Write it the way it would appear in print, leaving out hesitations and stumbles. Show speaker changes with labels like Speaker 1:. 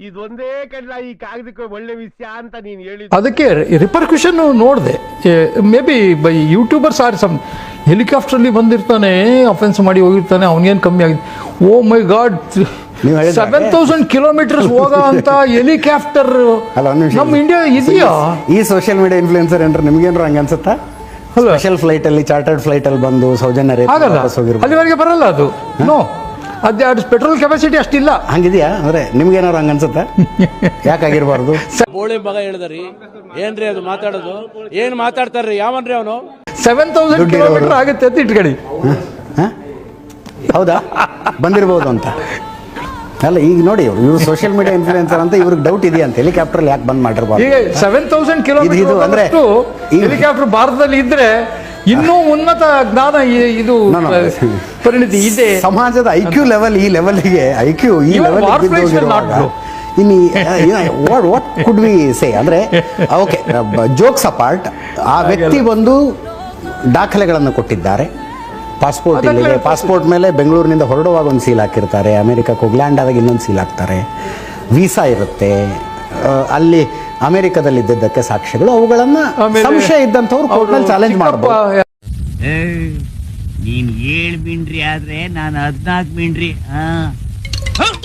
Speaker 1: ಇದೊಂದೇ ಕಡ್ಲ ಈ ಕಾಗದಕ್ಕೆ ಒಳ್ಳೆ ವಿಷಯ ಅಂತ ನೀನು ಹೇಳಿ.
Speaker 2: ಅದಕ್ಕೆ ರಿಪರ್ಕ್ಯೂಷನ್ ನೋಡಿದೆ. May be by youtubers are some ಹೆಲಿಕಾಪ್ಟರ್ಲಿ ಬಂದಿರ್ತಾನೆ, ಅಫೆನ್ಸ್ ಮಾಡಿ ಹೋಗಿರ್ತಾನೆ, ಅವನಿಗೇನು ಕಮ್ಮಿ ಆಗಿದೆ. ಓ ಮೈ ಗಾಡ್, 7,000 ಕಿಲೋಮೀಟರ್ಸ್ ಹೋಗೋ ಅಂತ ಹೆಲಿಕಾಪ್ಟರ್ ನಮ್ಮ ಇಂಡಿಯಾ ಇದೆಯಾ?
Speaker 3: ಈ ಸೋಷಿಯಲ್ ಮೀಡಿಯಾ ಇನ್ಫ್ಲೂಯೆನ್ಸರ್ ಏನ್ರ ನಿಮ್ಗೇನ್ರ ಹಂಗ ಅನ್ಸುತ್ತಾ? ಸ್ಪೆಷಲ್ ಫ್ಲೈಟ್ ಅಲ್ಲಿ, ಚಾರ್ಟರ್ಡ್ ಫ್ಲೈಟ್ ಅಲ್ಲಿ ಬಂದು ಸೌಜನ್ಯ
Speaker 2: ಆಗಲ್ಲ, ಅಲ್ಲಿವರೆಗೆ ಬರಲ್ಲ ಅದು. ನೋ, ಅದು ಪೆಟ್ರೋಲ್ ಕೆಪಾಸಿಟಿ ಅಷ್ಟಿಲ್ಲ.
Speaker 3: ಹಂಗಿದ್ಯಾ? ಅಂದ್ರೆ ನಿಮ್ಗೇನಾರು ಹಂಗ ಅನ್ಸುತ್ತಾ? ಯಾಕಾಗಿರ್ಬಾರ್ದು?
Speaker 4: ಬೋಳಿ ಮಗ ಹೇಳಿದ್ರಿ ಏನ್ರಿ ಅದು ಮಾತಾಡೋದು? ಏನ್ ಮಾತಾಡ್ತಾರ್ರಿ? ಯಾವನ್ರಿ ಅವನು?
Speaker 2: 7,000 ಕಿಲೋಮೀಟರ್ ಆಗುತ್ತೆ ಅಂತ ಇಟ್ಕೊಳ್ಳಿ.
Speaker 3: ಹೌದಾ, ಬಂದಿರ್ಬೋದು ಅಂತ ಅಲ್ಲ. ಈಗ ನೋಡಿ, ಇವ್ರು ಸೋಷಿಯಲ್ ಮೀಡಿಯಾ ಇನ್ಫ್ಲೂಯೆನ್ಸರ್ ಅಂತ ಇವ್ರಿಗೆ ಡೌಟ್ ಇದೆಯಾ ಅಂತ ಹೆಲಿಕಾಪ್ಟರ್ ಯಾಕೆ ಬಂದ್ ಮಾಡಿರ್ಬಾರ್ದು?
Speaker 2: ಈಗ 7,000 ಕಿಲೋಮೀಟರ್ ಅಂದ್ರೆ ಹೆಲಿಕಾಪ್ಟರ್ ಭಾರತದಲ್ಲಿ ಇದ್ರೆ ಇನ್ನೂ ಉನ್ನತ ಜ್ಞಾನ ಇದು ಪರಿಣಿತಿ ಇದೆ.
Speaker 3: ಸಮಾಜದ ಐಕ್ಯೂ ಲೆವೆಲ್ ಈ ಲೆವೆಲ್ಗೆ, ಐಕ್ಯೂ ಈ ಲೆವೆಲ್ ಇನ್ನು ವಾಟ್ ಕುಡ್ ವಿ ಸೇ ಅಂದ್ರೆ, ಓಕೆ, ಜೋಕ್ಸ್ ಅಪಾರ್ಟ್, ಆ ವ್ಯಕ್ತಿ ಬಂದು ದಾಖಲೆಗಳನ್ನು ಕೊಟ್ಟಿದ್ದಾರೆ. ಪಾಸ್ಪೋರ್ಟ್ ಇಲ್ಲಿದೆ, ಪಾಸ್ಪೋರ್ಟ್ ಮೇಲೆ ಬೆಂಗಳೂರಿನಿಂದ ಹೊರಡುವಾಗ ಒಂದು ಸೀಲ್ ಹಾಕಿರ್ತಾರೆ, ಅಮೆರಿಕಕ್ಕೆ ಹೋಗಿ ಲ್ಯಾಂಡ್ ಆದಾಗ ಇನ್ನೊಂದು ಸೀಲ್ ಹಾಕ್ತಾರೆ, ವೀಸಾ ಇರುತ್ತೆ, ಅಲ್ಲಿ ಅಮೆರಿಕದಲ್ಲಿ ಇದ್ದಿದ್ದಕ್ಕೆ ಸಾಕ್ಷ್ಯಗಳು, ಅವುಗಳನ್ನ ಸಂಶಯ ಇದ್ದಂಥವ್ರು ಕೋರ್ಟ್ನಲ್ಲಿ ಚಾಲೆಂಜ್ ಮಾಡಬಹುದು.
Speaker 5: ನೀನ್ 7 ಮಿಂಡ್ರಿ ಆದ್ರೆ ನಾನು 14 ಮಿಂಡ್ರಿ.